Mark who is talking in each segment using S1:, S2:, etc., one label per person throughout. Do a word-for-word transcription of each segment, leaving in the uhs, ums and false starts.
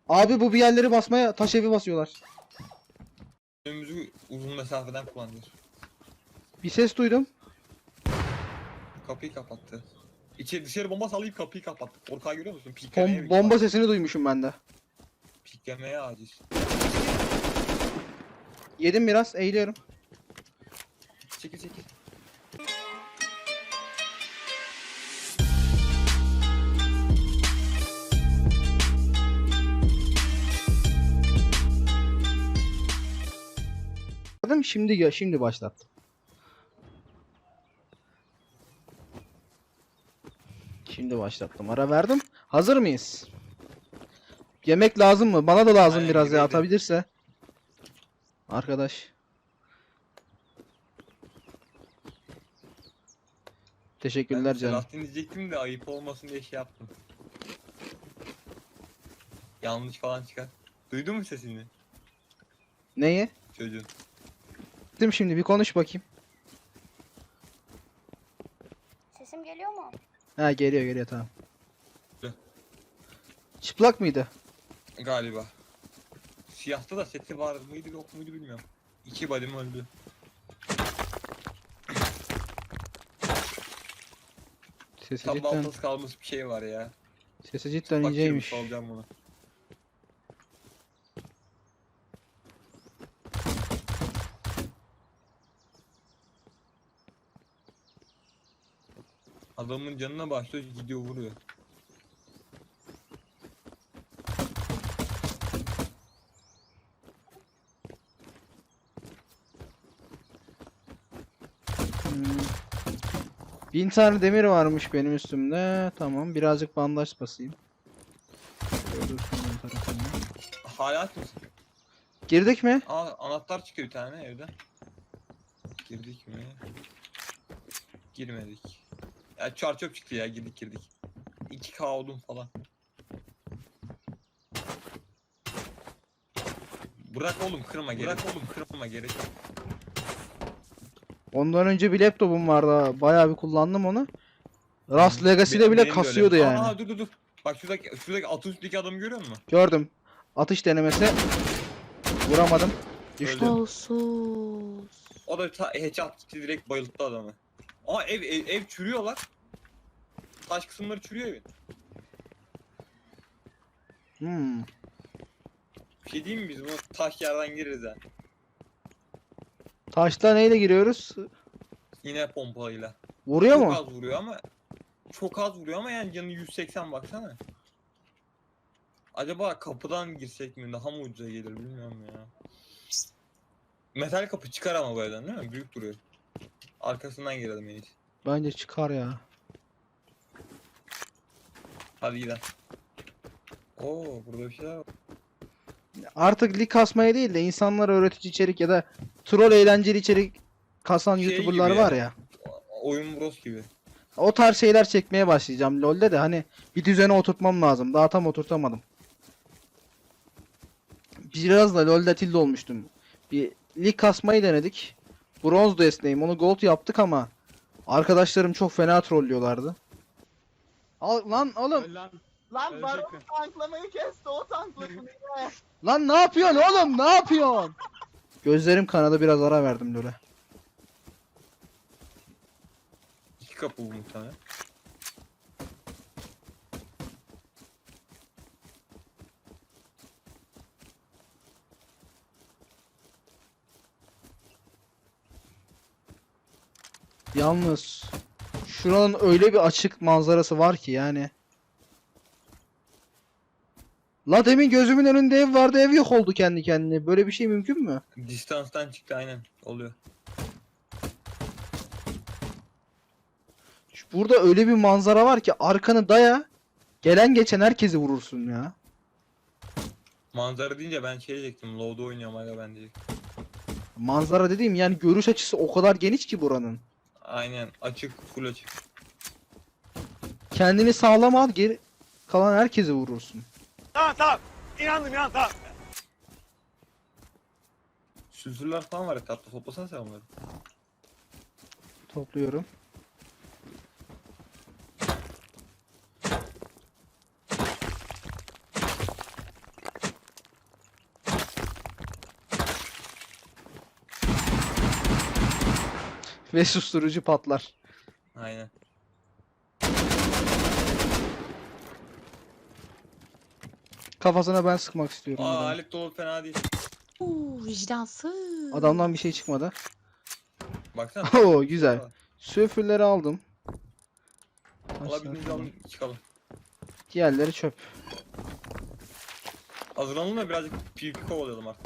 S1: Abi bu bir yerleri basmaya taş evi basıyorlar.
S2: Önümüzü uzun mesafeden kullanıyor.
S1: Bir ses duydum.
S2: Kapıyı kapattı. İçeri dışarı bomba sallayıp kapıyı kapattı. Korkağı görüyor musun? Piklemeye
S1: Bom
S2: mi?
S1: bomba sesini duymuşum ben de.
S2: Piklemeye aciz.
S1: Yedim biraz, eğiliyorum.
S2: Çekil çekil.
S1: Adam şimdi gö- şimdi başlattım. Şimdi başlattım. Ara verdim. Hazır mıyız? Yemek lazım mı? Bana da lazım
S2: Aynen,
S1: biraz ya,
S2: gidelim.
S1: atabilirse. Arkadaş. Teşekkürler
S2: Ben
S1: canım.
S2: Selahattin diyecektim de ayıp olmasın diye şey yaptım. Yanlış falan çıkar. Duydun mu sesini
S1: Neyi?
S2: çocuğun?
S1: Gittim şimdi, bir konuş bakayım.
S3: Sesim geliyor mu?
S1: Ha, geliyor geliyor, tamam.
S2: Gel.
S1: Çıplak mıydı?
S2: Galiba. Siyahta da seti var mıydı yok muydu bilmiyorum. İki body'm öldü.
S1: Sesi
S2: Tam
S1: cidden,
S2: baltası kalmış bir şey var ya.
S1: sesi cidden
S2: Bak
S1: inceymiş.
S2: şimdi salacağım bunu. Adamın canına başlıyor gidiyor vuruyor.
S1: Hmm. Bin tane demir varmış benim üstümde. Tamam, birazcık bandaj basayım. Şöyle dursun ön tarafına.
S2: Hala aç mısın?
S1: Girdik mi?
S2: Aa, anahtar çıkıyor bir tane evden. Girdik mi? Girmedik. Ya çar çöp çıktı ya, girdik girdik. iki K odun falan. Bırak oğlum kırma gerek. Bırak oğlum kırma gerek. yok.
S1: Ondan önce bir laptopum vardı. Bayağı bir kullandım onu. Rust
S2: Hı.
S1: Legacy'de
S2: Be-
S1: bile
S2: benim de öyle.
S1: kasıyordu
S2: Aa,
S1: yani.
S2: Aa dur dur dur. Bak şuradaki şuradaki at üstteki adamı görüyor musun?
S1: Gördüm. Atış denemesi. Vuramadım. Düştü.
S2: Öldü.
S3: Olsuz.
S2: O da ta- headshot gitti direkt bayılttı adamı. Aa ev ev, ev çürüyorlar. Taş kısımları çürüyor evin.
S1: Hmm.
S2: Bir şey diyeyim mi biz bunu taş yerden gireriz ha.
S1: Taşla neyle giriyoruz?
S2: Yine pompalıyla.
S1: Vuruyor
S2: Çok
S1: mu?
S2: az vuruyor ama çok az vuruyor ama yani canı yüz seksen baksana. Acaba kapıdan girsek mi daha mı ucuza gelir bilmiyorum ya. Metal kapı çıkar ama bu evden değil mi? Büyük duruyor. Arkasından girelim en iyisi.
S1: Bence çıkar ya.
S2: Hadi gidelim. Oo burada bir şeyler var.
S1: Artık lig kasmaya değil de insanlara öğretici içerik ya da troll eğlenceli içerik kasan
S2: Şey
S1: YouTuber'lar
S2: gibi
S1: var
S2: ya.
S1: ya.
S2: Oyun Bros gibi.
S1: O tarz şeyler çekmeye başlayacağım LoL'de de, hani bir düzene oturtmam lazım. Daha tam oturtamadım. Biraz da LoL'de tilt olmuştum. Bir lig kasmayı denedik. Bronz desteğim, onu gold yaptık ama arkadaşlarım çok fena trollüyorlardı. Al lan oğlum.
S4: Öl lan.
S5: Lan
S4: Ölecek
S5: Baron
S4: mi?
S5: tanklamayı kesti, o tankladı yine.
S1: Lan ne yapıyorsun oğlum? Ne yapıyorsun? Gözlerim kanadı, biraz ara verdim LoL'e.
S2: İki kapı bu muhtemelen.
S1: Yalnız şuranın öyle bir açık manzarası var ki yani. La demin gözümün önünde ev vardı, ev yok oldu kendi kendine. Böyle bir şey mümkün mü?
S2: Distanstan çıktı aynen. Oluyor.
S1: Şu- Burada öyle bir manzara var ki arkanı daya, gelen geçen herkesi vurursun ya.
S2: Manzara deyince ben şey diyecektim. Low'da oynuyorum aga ben diyecektim.
S1: Manzara dediğim yani görüş açısı o kadar geniş ki buranın.
S2: Aynen açık, full açık.
S1: Kendini sağlam al, geri kalan herkesi vurursun.
S4: Tamam tamam. İnandım inan tamam.
S2: Sülfürler falan var etrafta. Toplasana sen onları.
S1: Topluyorum. Ve susturucu patlar.
S2: Aynen.
S1: Kafasına ben sıkmak istiyorum.
S2: Aa
S1: adamı.
S2: alet dolu fena değil.
S3: Uuu vicdansız.
S1: Adamdan bir şey çıkmadı.
S2: Baksana.
S1: Oo,
S2: takım
S1: güzel.
S2: şeyler var.
S1: Sülfürleri aldım.
S2: Alabildiğince alın çıkalım.
S1: Diğerleri çöp.
S2: Hazırlanalım da birazcık PvP kovalayalım artık.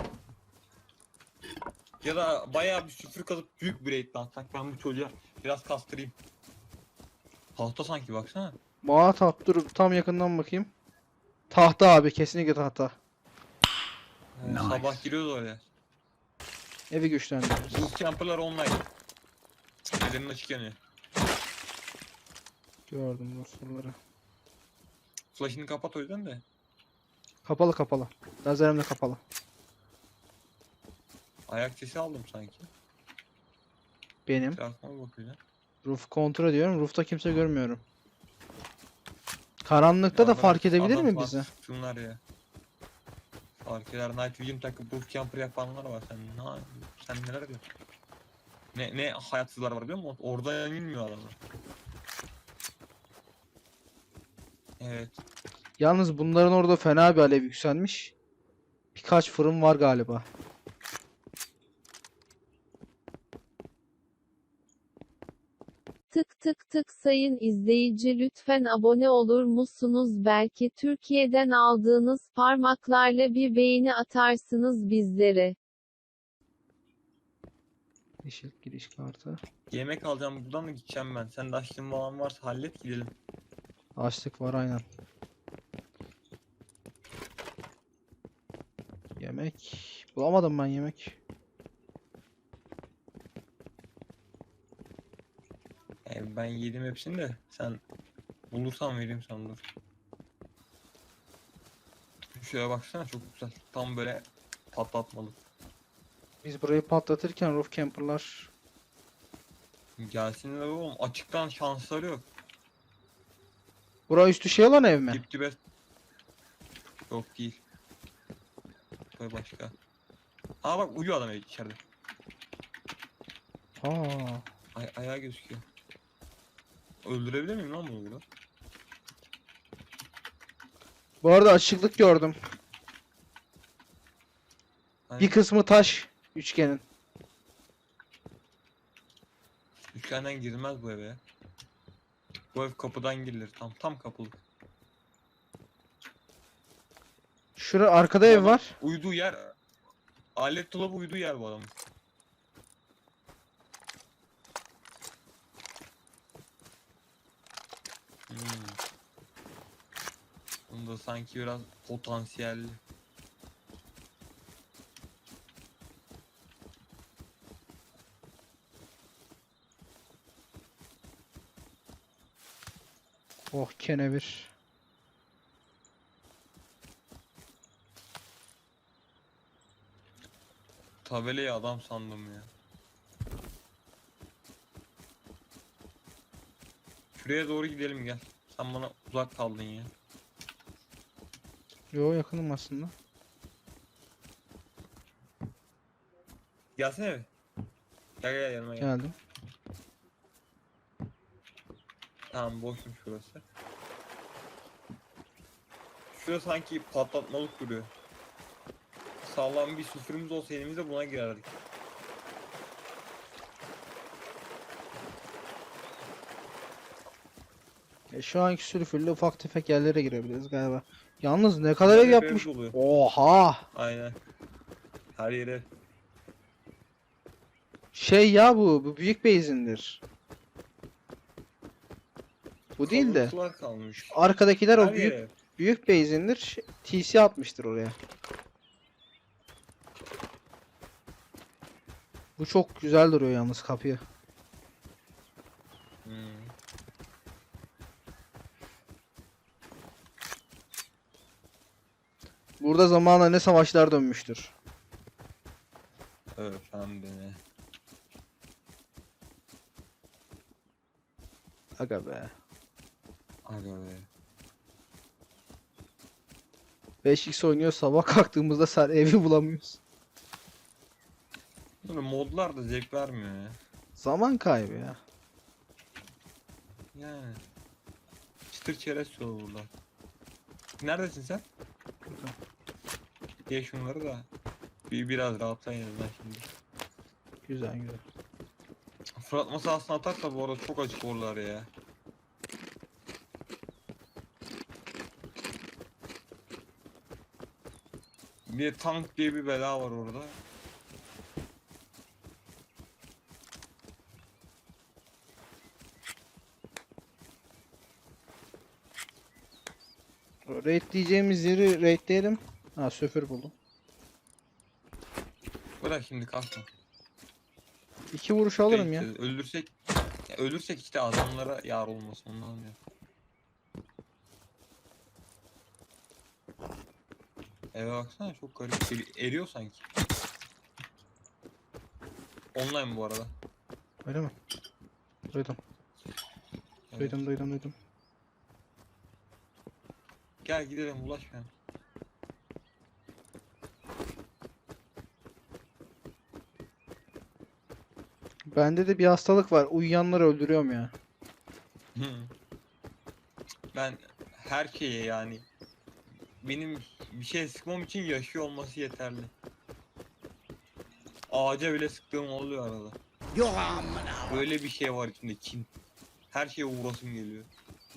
S2: Ya da bayağı bir süfür kazıp büyük bir raid atsak ben bu çocuğa biraz kastırayım. Tahta sanki baksana.
S1: Aa taht dur tam yakından bakayım. Tahta abi kesinlikle tahta.
S2: Ee, Sabah giriyoruz oraya.
S1: Evi güçlendiririz.
S2: Bootcamper'lar online. Ellerinin açık yanıyor.
S1: Gördüm dostları.
S2: Flash'ını kapat o yüzden de.
S1: Kapalı kapalı. Lazerim de kapalı.
S2: Ayak sesi aldım sanki.
S1: Benim.
S2: Etrafıma bakacağım.
S1: Roof kontrol ediyorum. Roof'ta kimse görmüyorum. Karanlıkta da
S2: Adamlar-
S1: fark edebilir
S2: adam
S1: mi
S2: falan
S1: bizi?
S2: sıksınlar ya. Fark eder. Night Vision takıp bootcamper yapanlar var. Sen ne sen neler diyorsun? Ne ne hayatsızlar var biliyor musun? Orada inmiyor adamlar. Evet.
S1: Yalnız bunların orada fena bir alev yükselmiş. Birkaç fırın var galiba.
S6: Tık tık tık sayın izleyici lütfen abone olur musunuz? Belki Türkiye'den aldığınız parmaklarla bir beğeni atarsınız bizlere.
S1: Yeşil giriş kartı.
S2: Yemek alacağım buradan da gideceğim ben. Sen de açlığın falan varsa hallet gidelim.
S1: Açlık var aynen. Yemek. Bulamadım ben yemek.
S2: E, ben yedim hepsini de sen bulursan vereyim sana dur. Şuraya baksana çok güzel. Tam böyle patlatmalı.
S1: Biz burayı patlatırken roof camper'lar
S2: Gelsinler oğlum. Açıktan şansları yok.
S1: bura üstü şey olan ev mi?
S2: Dip dibe. Yok değil. Böyle başka. Aa bak uyuyor adam içeride.
S1: Aa.
S2: Ay ayağı gözüküyor. Öldürebilir miyim lan bunu burada?
S1: Bu arada açıklık gördüm.
S2: Hani
S1: Bir kısmı taş üçgenin.
S2: üçgenden girilmez bu eve ya. Bu ev kapıdan girilir. Tam tam kapılık.
S1: Şura arkada ev
S2: Adam
S1: var.
S2: Uyuduğu yer alet dolabı uyuduğu yer bu adamın. Hmm. Bunda sanki biraz potansiyelli.
S1: Oh kenevir.
S2: Tabelayı adam sandım ya. Şuraya doğru gidelim gel. Sen bana uzak kaldın ya.
S1: Yo yakınım aslında.
S2: Gelsene bir. Gel gel yanıma gel.
S1: Geldim.
S2: Tamam boşmuş burası. Şurası sanki patlatmalık duruyor. Sağlam bir süfürümüz olsa elimizde buna girerdik.
S1: E, şu anki sülfürlü ufak tefek yerlere girebiliriz galiba. Yalnız ne kadar ev
S2: Güzel bir
S1: yapmış.
S2: ev doluyor.
S1: Oha.
S2: Aynen. Her yere.
S1: Şey ya bu. Bu büyük base'indir. Bu değil de.
S2: Kalıntılar kalmış.
S1: Arkadakiler o
S2: Her
S1: büyük
S2: yere.
S1: büyük base'indir. Şey- T C atmıştır oraya. Bu çok güzel duruyor yalnız kapıyı.
S2: Hmm.
S1: Burada zamanla ne savaşlar dönmüştür.
S2: Efendim.
S1: Aga be.
S2: Aga be.
S1: beş x oynuyor sabah kalktığımızda sen evi bulamıyoruz.
S2: Böyle modlar da zevk vermiyor ya.
S1: Zaman kaybı ya.
S2: Yani. Çıtır çerez soğurlar. Neredesin sen?
S1: Burada.
S2: Ye şunları da. Bir biraz rahatlayın en azından şimdi.
S1: Güzel güzel.
S2: Fırlatma sahasına atarsa bu arada çok acık olurlar ya. Bir de tank diye bir bela var orada.
S1: Raid diyeceğimiz yeri raidleyelim. Ha söfür buldum.
S2: Bırak şimdi kalkma.
S1: İki vuruş alırım ya.
S2: Bekleyeceğiz. Öldürsek ya ölürsek işte adamlara yar olmasın ondan ya. Eve baksana çok garip. Eri- Eriyor sanki. Online bu arada.
S1: Öyle mi? Duydum.
S2: Evet.
S1: Duydum duydum duydum.
S2: Gel gidelim ulaşmayalım.
S1: Bende de bir hastalık var. Uyuyanları öldürüyorum ya.
S2: Hı. Ben her şeye yani benim bir şey sıkmam için yaşıyor olması yeterli. Ağaca bile sıktığım oluyor arada. Böyle bir şey var içinde kin. Her şeye uğrasım geliyor.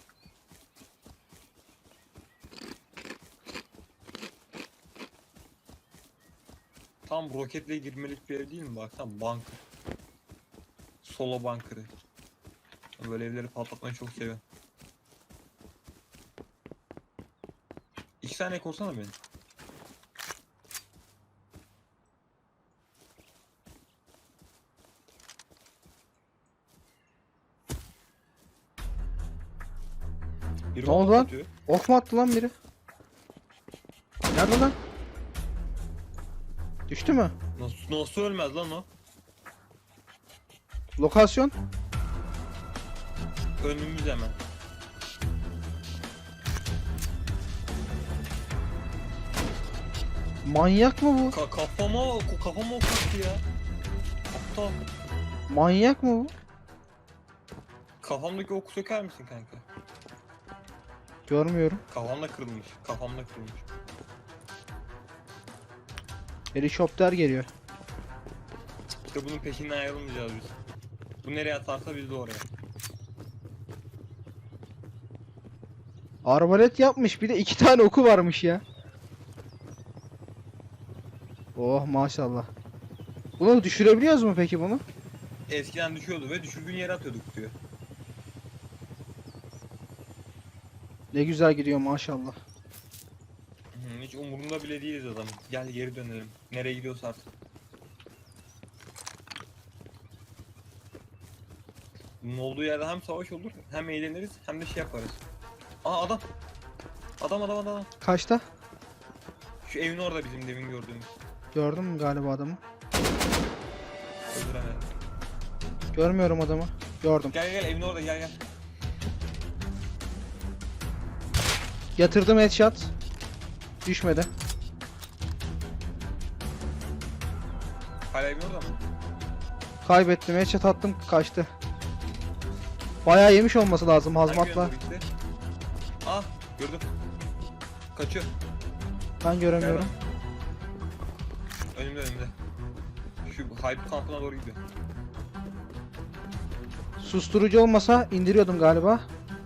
S2: Tam roketle girmelik bir ev değil mi? Baksana bunker. Solo bunker'ı. Böyle evleri patlatmayı çok seviyorum. İki tane korsana beni. Biri
S1: Ne oldu
S2: bana
S1: lan?
S2: atıyor.
S1: Ok mu attı lan biri? Nerede lan? Düştü mü?
S2: Nasıl, nasıl ölmez lan o?
S1: Lokasyon?
S2: Önümüz hemen.
S1: Manyak mı bu?
S2: Ka kafama, ko- kafama ok attı ya. Aptal.
S1: Manyak mı bu?
S2: Kafamdaki oku söker misin kanka?
S1: Görmüyorum.
S2: Kafamda kırılmış. Kafamda kırılmış.
S1: Helikopter geliyor.
S2: İşte bunun peşinden ayrılmayacağız biz. Bu nereye atarsa biz de oraya.
S1: Arbalet yapmış. Bir de iki tane oku varmış ya. Oh maşallah. Bunu düşürebiliyoruz mu peki bunu?
S2: Eskiden düşüyordu ve düşürdüğün yere atıyorduk diyor.
S1: Ne güzel gidiyor maşallah.
S2: Hı, hiç umurunda bile değiliz adamın. Gel geri dönelim. Nereye gidiyorsa artık. Bunun olduğu yerde hem savaş olur, hem eğleniriz, hem de şey yaparız. Aa adam. Adam adam adam.
S1: Kaçta?
S2: Şu evin orada bizim demin gördüğümüz.
S1: Gördün mü galiba adamı?
S2: Öldüremedim.
S1: Görmüyorum adamı. Gördüm.
S2: Gel gel evin orada gel gel.
S1: Yatırdım headshot. Düşmedi.
S2: Hala evin orada mı?
S1: Kaybettim. Headshot attım. Kaçtı. Bayağı yemiş olması lazım
S2: Hangi
S1: hazmatla.
S2: yöne doğru gitti? Ah gördüm. Kaçıyor.
S1: Ben göremiyorum.
S2: Önümde önümde. Şu hype kampına doğru gidiyor.
S1: Susturucu olmasa indiriyordum galiba.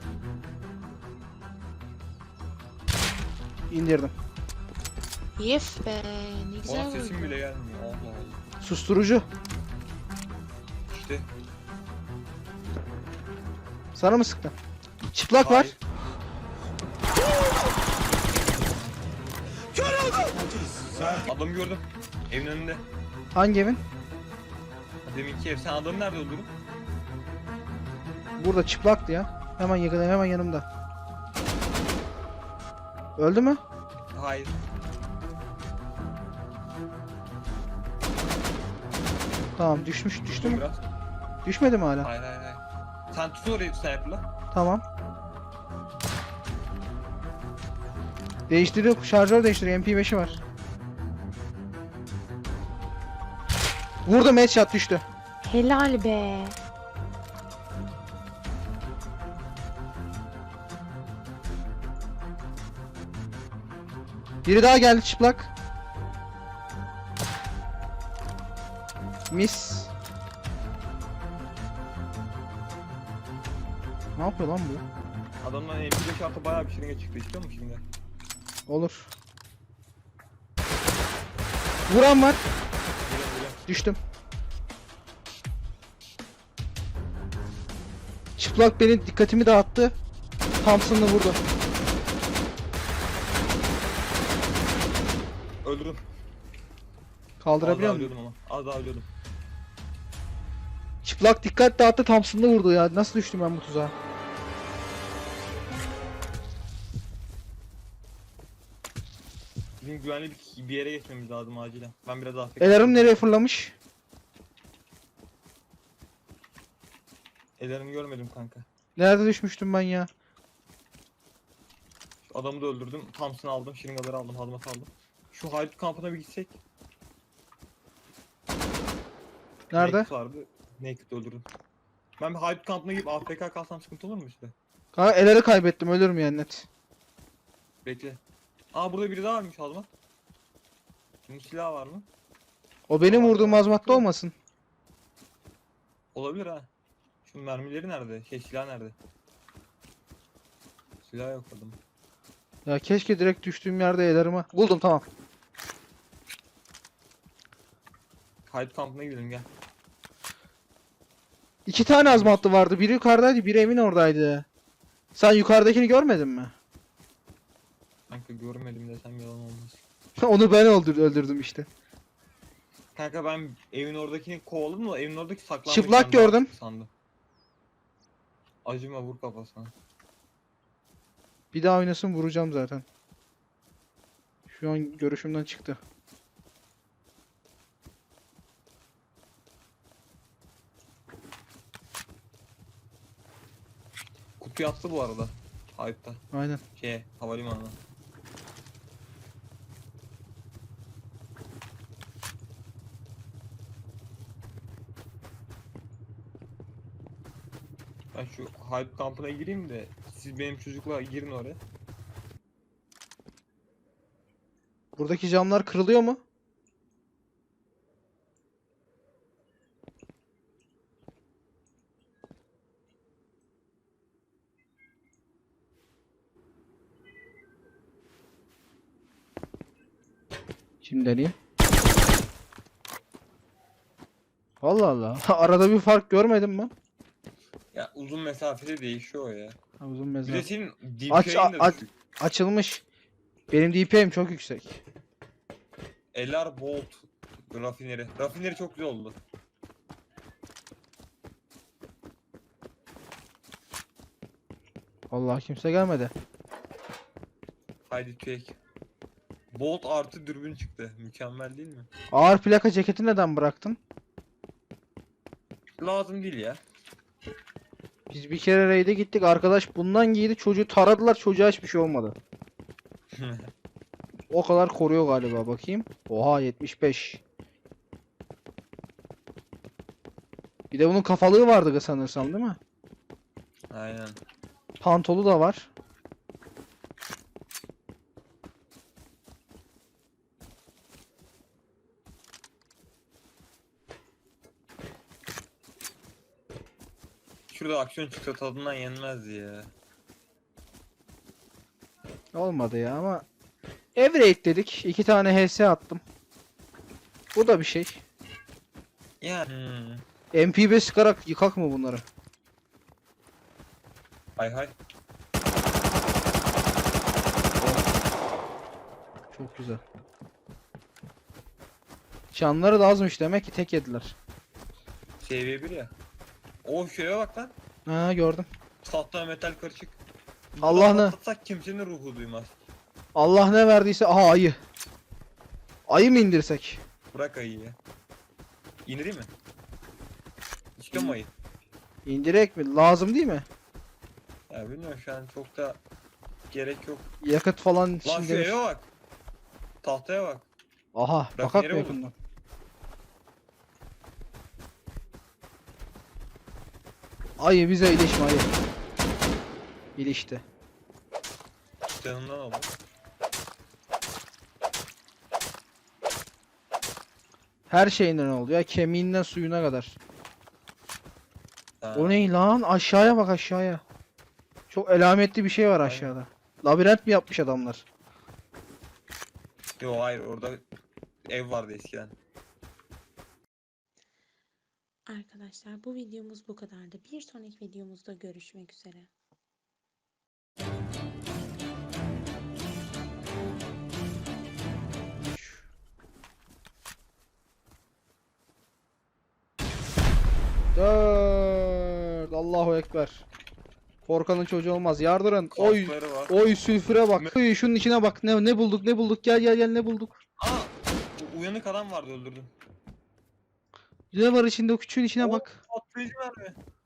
S1: İndirdim.
S3: Yef be ne güzel
S2: Ona sesim
S3: oldu.
S2: bile gelmiyor. Allah Allah.
S1: Susturucu.
S2: İşte.
S1: Sana mı sıktı? Çıplak var.
S2: Hayır. Adamı gördüm. Evin önünde.
S1: Hangi evin?
S2: Deminki ev. Sen adamı nerede öldürdün?
S1: Burada çıplaktı ya. Hemen yakın, hemen yanımda. Öldü mü?
S2: Hayır.
S1: Tamam düşmüş düştü
S2: Dur
S1: mü?
S2: biraz.
S1: Düşmedi mi hala?
S2: Hayır hayır hayır. Sen tut orayı sniper'la.
S1: Tamam. Değiştiriyor, şarjör değiştiriyor. M P beşi var. Vurdum headshot düştü.
S3: Helal be.
S1: Biri daha geldi çıplak. Mis. Ne yapıyor lan bu?
S2: Adamdan M P beş artı bayağı bir şırınga çıktı, istiyor musun şimdi?
S1: Olur. Vuran var.
S2: Güle güle.
S1: Düştüm. Çıplak benim dikkatimi dağıttı. Thompson'la vurdu.
S2: Öldürdüm.
S1: Kaldırabiliyor
S2: Az daha
S1: musun?
S2: ölüyordum ama. Az daha ölüyordum.
S1: Çıplak dikkat dağıttı, Thompson'la vurdu ya. Nasıl düştüm ben bu tuzağa?
S2: Bizim güvenli bir, bir yere geçmemiz lazım acilen. Ben biraz afk.
S1: Elarım nereye fırlamış?
S2: Ellerimi görmedim kanka.
S1: Nerede düşmüştüm ben ya?
S2: Şu adamı da öldürdüm. Thompson aldım, şırıngaları aldım, hazmat aldım. Şu Haydut kampına bir gitsek.
S1: Nerede?
S2: Naked vardı. Naked öldürdüm. Ben bir Haydut kampına gidip A F K kalsam sıkıntı olur mu işte?
S1: Kanka eleri kaybettim, ölürüm yani net.
S2: Bekle. Aa burada biri daha varmış hazmat. Bunun silahı var mı?
S1: O benim vurduğum azmatta olmasın.
S2: Olabilir ha. Şu mermileri nerede? Şey silah nerede? Silah yok adamın.
S1: Ya keşke direkt düştüğüm yerde elerimi. Buldum, tamam.
S2: Haydut kampına gidelim gel.
S1: İki tane azmatlı vardı. Biri yukarıdaydı, biri evin oradaydı. Sen yukarıdakini görmedin mi?
S2: Kanka görmedim desem yalan olmaz.
S1: Onu ben öldür öldürdüm işte.
S2: Kanka ben evin oradakini kovaladım da evin oradaki saklanmış.
S1: Çıplak
S2: ben daha
S1: gördüm.
S2: sandım. Acıma, vur kafasına.
S1: Bir daha oynasın, vuracağım zaten. Şu an görüşümden çıktı.
S2: Kutuyu attı bu arada. Haydut'ta.
S1: Aynen.
S2: Şeye, havalimanına. Ben şu Haydut kampına gireyim de siz benim çocukla girin oraya.
S1: Buradaki camlar kırılıyor mu? Şimdi deneyeyim. Allah Allah. Arada bir fark görmedim mi?
S2: Ya uzun mesafede değişiyor o ya.
S1: Ha, uzun
S2: Bir de
S1: mesafe.
S2: senin
S1: Aç-
S2: D P I'in de
S1: aç-
S2: düşük.
S1: Açılmış. Benim D P M'im çok yüksek.
S2: L R Bolt rafineri. Rafineri çok güzel oldu.
S1: Vallahi kimse gelmedi.
S2: Haydi çek. Bolt artı dürbün çıktı. Mükemmel değil mi?
S1: Ağır plaka ceketi neden bıraktın?
S2: Lazım değil ya.
S1: Biz bir kere raid'e gittik. Arkadaş bundan giydi. Çocuğu taradılar. Çocuğa hiçbir şey olmadı. O kadar koruyor galiba. Bakayım. Oha, yetmiş beş. Bir de bunun kafalığı vardı sanırsam, değil mi?
S2: Aynen.
S1: Pantolu da var.
S2: Şurada aksiyon çıksa tadından yenmez ya.
S1: Olmadı ya ama ev raid dedik. İki tane H S attım. Bu da bir şey.
S2: Ya. Hmm.
S1: M P beş sıkarak yıkak mı bunları?
S2: Hay hay.
S1: Çok güzel. Canları da azmış demek ki, tek yediler.
S2: Seviye bir ya. O şeye bak lan.
S1: Ha, gördüm.
S2: Tahta metal karışık.
S1: Allah ne?
S2: Atlatsak kimsenin ruhu duymaz.
S1: Allah ne verdiyse. Aha, ayı. Ayı mı indirsek?
S2: Bırak ayıyı ya. İndireyim mi? İstiyor mu ayı?
S1: İndirek mi? Lazım değil mi?
S2: Ya bilmiyorum, şu an çok da gerek yok.
S1: Yakıt falan
S2: Lan
S1: için
S2: şu
S1: gelir.
S2: eve bak. Tahtaya bak.
S1: Aha, bakak
S2: Rafineri
S1: mı
S2: olur.
S1: yakından? Ayı bize ilişme ayı. İlişti.
S2: Canından oldu.
S1: Her şeyinden oldu ya. Kemiğinden suyuna kadar.
S2: Ha.
S1: O ne lan? Aşağıya bak aşağıya. Çok elametli bir şey var
S2: Aynen.
S1: aşağıda. Labirent mi yapmış adamlar?
S2: Yo hayır orada ev vardı eskiden.
S7: Arkadaşlar bu videomuz bu kadardı. Bir sonraki videomuzda görüşmek üzere.
S1: Dört. Allahu Ekber. Korkanın çocuğu olmaz. Yardırın. Oy.
S2: Kaskları var.
S1: Oy sülfüre bak. Oy şunun içine bak. Ne ne bulduk? Ne bulduk? Gel gel gel ne bulduk?
S2: Aa! u- Uyanık adam vardı öldürdüm.
S1: Ne var içinde? O küçüğün içine
S2: O
S1: bak.
S2: Patlayıcı mermi.